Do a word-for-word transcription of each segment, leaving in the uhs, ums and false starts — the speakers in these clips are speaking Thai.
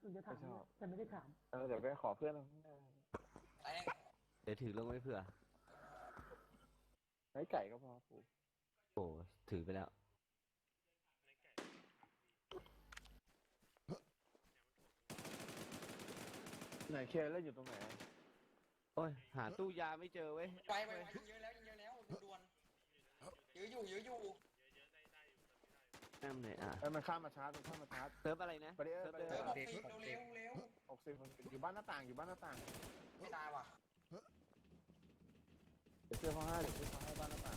คุณจะถามไม่ชอบแต่ไม่ได้ถามเออเดี๋ยวไปขอเพื่อนเอาไอ้เดี๋ยวถือลงไว้เผื่อไอ้ไก่ก็พอปูโอ้ถือไปแล้วไหนเคเล่นอยู่ตรงไหนโอ้ยหาตู้ยาไม่เจอเว้ยไปไปไปยิงเยอะแล้วยิงเยอะแล้วด่วนๆเยอะอยู่เยอะอยู่แอมไหนอ่ะเอ้ยมันข้ามมาชาร์จมันข้ามมาชาร์จเซิร์ฟอะไรนะไปดิเออเซิร์ฟไปดิเดิเออมหกสิบเร็วเร็วหกสิบอยู่บ้านหน้าต่างอยู่บ้านหน้าต่างไม่ตายว่ะเดี๋ยวเชื่อเขาให้เดี๋ยวเชื่อเขาให้บ้านหน้าต่าง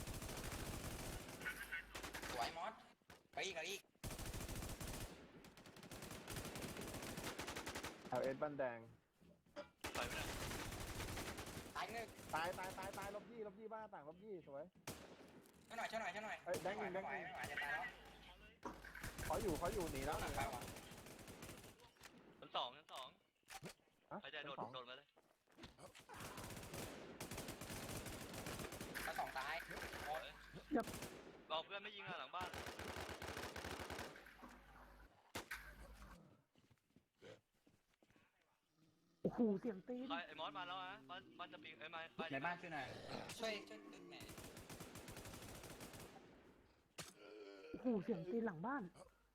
สวยมอสไปอีกไปอีกแอลเอสบ้านแดงตายหนึ่งตายตายตายตายลบยี่ลบยี่บ้านหน้าต่างลบยี่สวยช่วยหน่อยช่วยหน่อยช่วยหน่อยเอ้ยแดงหนึ่งแดงหนึ่งไม่ไหวจะตายแล้วเขาอยู่เขาอยู่หนีแล้วหนักไปว่ะชั้นสองชั้นสองฮะใครจะโดดชั้นสองโดดมาเลยแล้วสองตายหมดบอกเพื่อนไม่ยิงอะหลังบ้านโอ้โหเสียงตีนใครไอ้มอสมาแล้วนะบ้านบ้านจะปิงไอ้ยไม้บ้านในบ้านช่วยหน่อยช่วยช่วยตึกแหน่โอ้โหเสียงตีนหลังบ้าน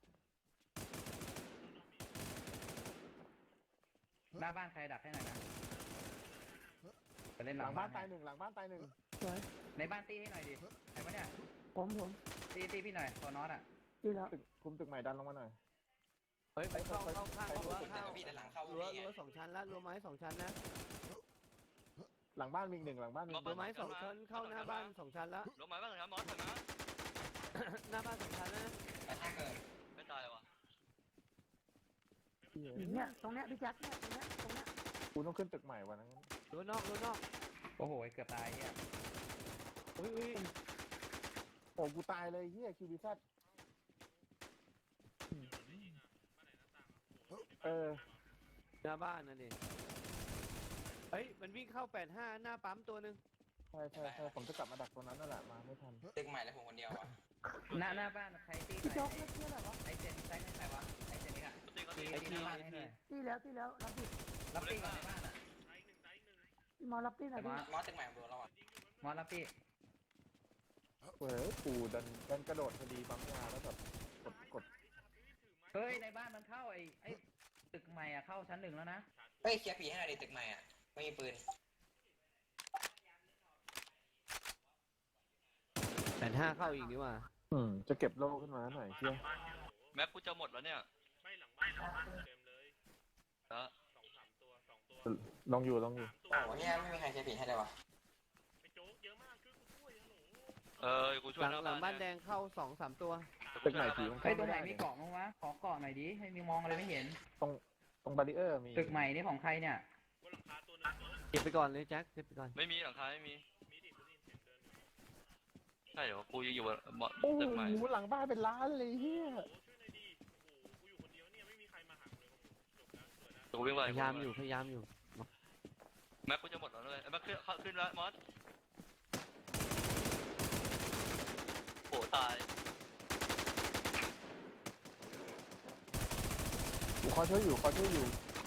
หน้าบ้านใครดักให้หน่อยนะไปเล่นหหลัลังงบ้าบ้าน นตายหนึ่งหลังบ้านตายหนึ่งสวยในบ้านตีให้หน่อยดิไหนวะเนี่ยผมผมตีตีพี่หน่อยตัวนอตอ่ะดีแล้วตึกคุมตึกใหม่ดันลงมาหน่อยเฮ้ยไปเข้าเข้าข้างรั้วแต่เข้าก็พี่แต่หลังเข้ารั้วพี่ไงรั้วสองชั้นละรั้วไม้สองชั้นนะหลังบ้านมีอีกหนึ่งหลังบ้านมีอีกหรั้นึ่วงไม้สองชั้นเข้าหน้าบ้านสองชั้นละลงมาบ้านหลังมอสถอยมาหน้าบ้านสองชั้นนะแต่ถ้าเกิดไม่ตายว่ะอย่างเนี้ยตรงเนี้ยพี่แจ็คเนี่ยตรงเนี้ยตรงเนี้ยกูต้องขึ้นตึกใหม่วันนั้นรั้วนอกรั้วนอกโอ้โหเกือบตายเนี่ยอุ้ยอุ้ยโอ้กูตายเลยเฮียคิวบีแซดเออหน้าบ้านนั่นดิเฮ้ยมันวิ่งเข้าแปดห้าหน้าปั๊มตัวหนึ่งใช่ใช่ใช่ผมจะกลับมาดักตรงนั้นนั่นแหละมาไม่ทันตึกใหม่แล้วผมคนเดียวอ่ะหน้าหน้าบ้านใครตีหพี่น่โจ๊อก ยเรียกชื่ออะไรวะไอเจนไซส์ไม่ใครวะไอเจนนี่อะตีก็ตีตีตีหน้าบ้านให้หน่อยตีแล้วตีแล้วรับดิรับตีก่อนในบ้านอ่ะพี่มอรับตีหน่อยมดิอสมอสตึกใหม่ผมโดนแล้วอ่ะมอสรับตีเฮ้ยกูดันดันกระโดดพอดีปั๊มยาแล้วแบบกดกดเฮ้ยในบ้านมันเข้าไอไอตึกใหม่อ่ะเข้าชั้นหนึ่งแล้วนะเฮ้ยเคลียร์ผีให้หน่อยดิตึกใหม่อ่ะไม่มีปืนแปดห้าเข้าอีกนี่ว่าอืมจะเก็บโล่ขึ้นมาหน่อยเชี่ยแม็กกูจะหมดแล้วเนี่ยไม่หลังบ้านหลังบ้านเต็มเลยแล้วสองสามตัวสองตัวลองอยู่ลองอยู่สามโอ้ตัวโหเนี่ยไม่มีใครเคลียร์ผีให้เลยวะไปโจ๊กเยอะมากช่วยกูด้วยฮัลโหลเออกูช่วหยลังหน้าหลังบ้านเยแดงเข้าสองสามตัวตึกใหม่ผีมันเฮ้ยเข้าตรงไหนไม่ได้มีเกาะมั้งวะขอเกาะหน่อยดิให้มีมองอะไรไม่เห็นตรงตรงบาริเออร์มีตึกใหม่นี่ของใครเนี่ยบนหลังคาตัวหนึงเก็บไปก่อนเลยแจ็คเก็บไปก่อนไม่มีหลังคาไม่มีมีดิกูได้ยินเสียงเดินอยู่ใช่เหรอกูยังอยู่บนบนโอ้ตึกใหม่โหหลังบ้านเป็นล้านเลยเฮียโอ้ช่วยหน่อยดิโอ้โหกูอยู่คนเดียวเนี่ยไม่มีใครมาหากูเลยโอ้โหจบแล้วสวยแล้วกูวิ่งไปพยายามอยู่พยายามอยู่แม็กกูจะหมดแล้วเลยไอ้แม็กขึ้นเข้าขึ้นแล้วมอสโอ้ตายกูขอช่วยอยู่ขอช่วยอยู่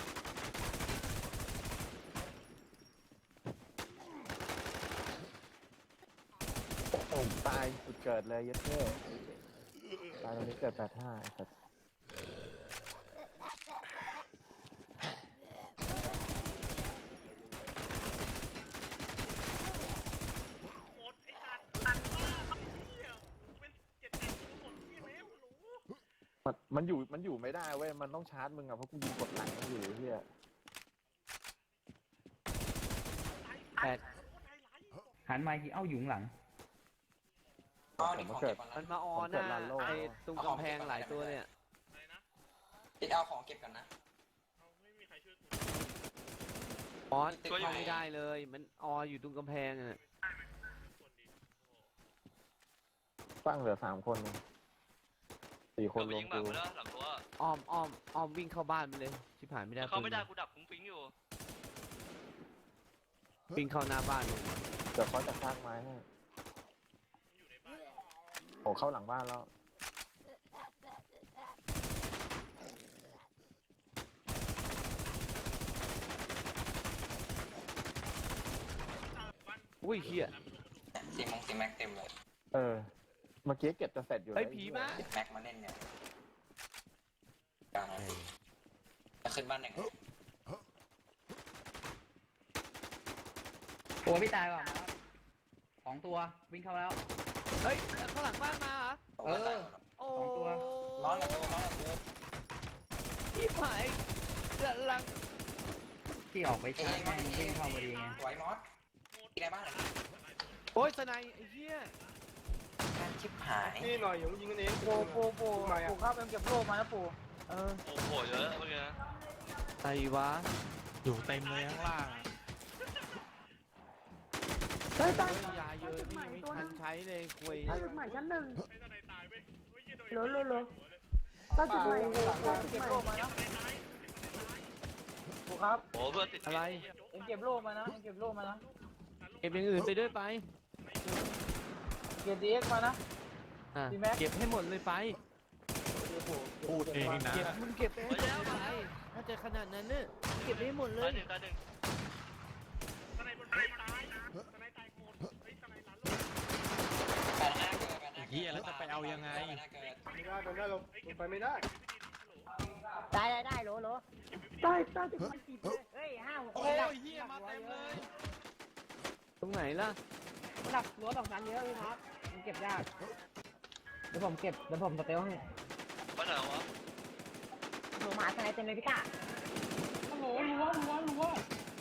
โอ้โหตายจุดเกิดเลยยัดเท่ตายตรงนี้เกิดแปดห้าครับหมดไอ้สัตว์ตัดบ้าครับเหี้ยเป็นเจ็ดแปดตัวหมดเหี้ยแล้วฮัลโหลมันมันอยู่มันอยู่ไม่ได้เว้ยมันต้องชาร์จมึงอะเพราะกูยิงกดหลังมันอยู่เฮียแปดโคตรไฮไลท์บอกหันมาทีเอ้าอยู่ข้างหลังอ๋อดิของเก็บก่อนมันะนมาออหน้าไอ้ตรงกำแพงหลายตัวเนี่ยอะไรนะติดเอาของเก็บก่อนนะเอาไม่มีใครช่วยกูออสเข้าไม่ได้เลย มันอออยู่ตรงกำแพงอ่ะคนดีโอ้โหตั้งเหลือสามคนเองสี่คนเราไปรวยิมงหมากูไปแล้วหลังตัวอ้อมอ้อมอ้อมวิ่งเข้าบ้านไปเลยชิบหายไม่ได้เขาไม่ได้ปืนกูดับฟุ้งฟิ้งอยู่วิ่งเข้าหน้าบ้านเลยเดี๋ยวเขาจะสร้างไม้ให้มันอยู่ในบ้านโอ้เข้าหลังบ้านแล้วอุ้ยเฮียซีมงซีแม็กเต็มเลยเออเมื่อกี้เก็บจะเสร็จอยู่เฮ้ยแล้วผีมาเจ็ดแม็กมาเล่นเนี่ยกลางจะขึ้นบ้านหนึ่งโอ้พี่ตายก่อนนะครับสองตัววิ่งเข้าแล้วเฮ้ยข้างหลังบ้านมาเหรอเออโอ้สองตัวร้อนละกูร้อนละกูพี่หายกำลังที่ออกไปชาร์จแม่งวิ่งเข้าพอดีไงไว้มอสที่ในบ้านเหรอโอ้ยสไนไอ้เหี้ยการชิบหายนี่หน่อยอย่ายิงกันเองปูปูปูปูครับเอ็มเก็บโล่มาแล้วปูเออโอ้โหเยอะเมื่อกี้นะไอ้วะอยู่เต็มเลยข้างล่างเฮ้ยใต้ยาเยอะนี่ยังไม่ทันใช้เลยคุยใต้จุดใหม่ชั้นหนึ่งไอ้ทนายตายเว้ยเฮ้ยเหี้ยโดนเหลือเหลือเหลือใต้จุดใหม่ใต้จุดใหม่โอ้เพื่อนติดอะไรเอ็มเก็บโล่มานะเอ็มเก็บโล่มานะเก็บอย่างอื่นไปด้วยไปเก็บดีเอ็กมานะอ่ะดีแม็กเก็บให้หมดเลยไปพูดเองนะเก็บมึงเก็บไปให้หมดไปถ้าจะขนาดนั้นเนี่ยเก็บให้หมดเลตายยหนึ่งตายหนึ่งทนายบนไฟตายทนายตายโคตรเฮ้ยทนายหลานลูกแปดห้าเกิดแปดห้าเฮียแล้วจะไปเอายังไงแปดห้าเกิดไม่ได้โดนได้ลงไปไม่ได้ได้ได้ได้โหลโหลใต้ใต้จุดใหม่สิบเลยเฮ้ยห้าหกโอ้ยเฮียมาเต็มเลยตรงไหนล่ะหนักรั้วสองชั้นเยอะพี่ครับมันเก็บยากเดี๋ยวผมเก็บเดี๋ยวผมสเตลให้บ้านไหนวะหนูมาสไนเต็มเลยพี่ก้าโหรั้วรั้วรั้ว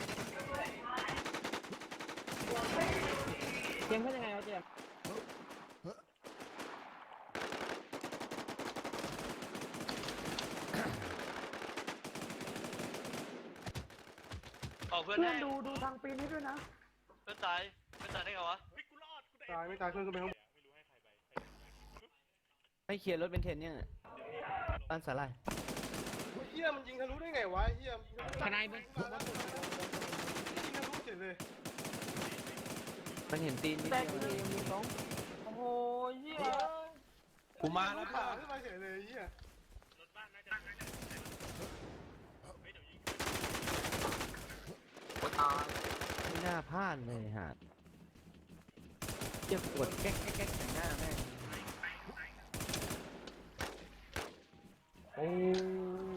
เกมเป็นยังไงวะเจมเอาเพื่อนเพื่อให้นดูดูทางปีนให้ด้วยนะเพื่อนตายเพื่อนตายได้ไงวะเฮ้ยกูรอดกูได้ตายไม่ตายเพื่อนก็ไม่รู้ให้เคลียร์รถเป็นเทนเนี่ยบ้านสาลายเฮียมันยิงทะลุได้ไงวะเฮียทนายบนยิงทะลุเฉยเลยมันเห็นตีนนิดแตกเดียวเลเอย งมีสองโอ้โหเหี้ยกูมาแล้วขาป่ะขึ้นมาเฉยเลยเฮียไม่น่าพลาดเลยหาดเจ็บปวดแก๊กแก๊กแก๊กใส่หน้าแม่งโอ้